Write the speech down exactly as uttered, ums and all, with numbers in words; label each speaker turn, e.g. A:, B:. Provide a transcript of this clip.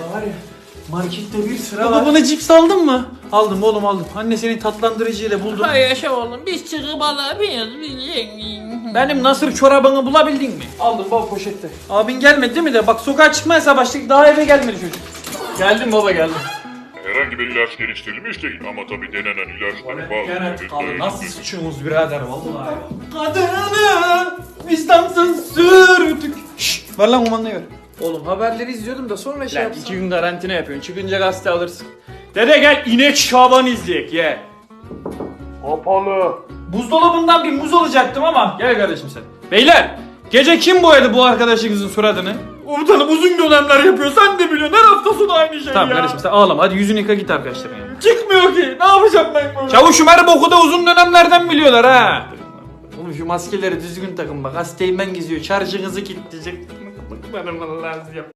A: var ya, markette bir sıra
B: Baba
A: var.
B: bana cips aldın mı? Aldım oğlum aldım. Anne senin tatlandırıcıyla buldum.
C: Hay yaşa oğlum, biz çıkıp alabiliyoruz. Biz...
B: Benim nasır çorabını bulabildin mi?
A: Aldım baba poşette.
B: Abin gelmedi değil mi de? Bak sokağa çıkmaya başladık daha eve gelmedi çocuk.
A: Geldim baba geldim.
D: Herhangi bir ilaç geliştirilmiş değil ama tabii denenen ilaçların bazıları...
B: Abi nasıl sıçıyorsunuz birader vallahi. Kadını vicdansız sürdük. Şşş ver lan kumandayı ver.
A: Oğlum haberleri izliyordum da sonra şey
B: Lan
A: yapsam.
B: iki gün karantina yapıyorsun. Çıkınca gazete alırsın. Dede gel inek şaban izleyek ye.
D: Kapalı.
B: Buzdolabından bir muz alacaktım ama gel kardeşim sen. Beyler gece kim boyadı bu arkadaşınızın suratını? Komutanım uzun dönemler yapıyor sen de biliyorsun her hafta sonu aynı şey tamam, ya. Tamam kardeşim sen ağlama hadi yüzünü yıka git arkadaşlarına ya. Çıkmıyor ki ne yapacağım ben böyle? Çavuşum her boku da uzun dönemlerden biliyorlar ha. Oğlum şu maskeleri düzgün takın bak hastayım ben geziyor şarjınızı kilitleyecek. Bana lazım.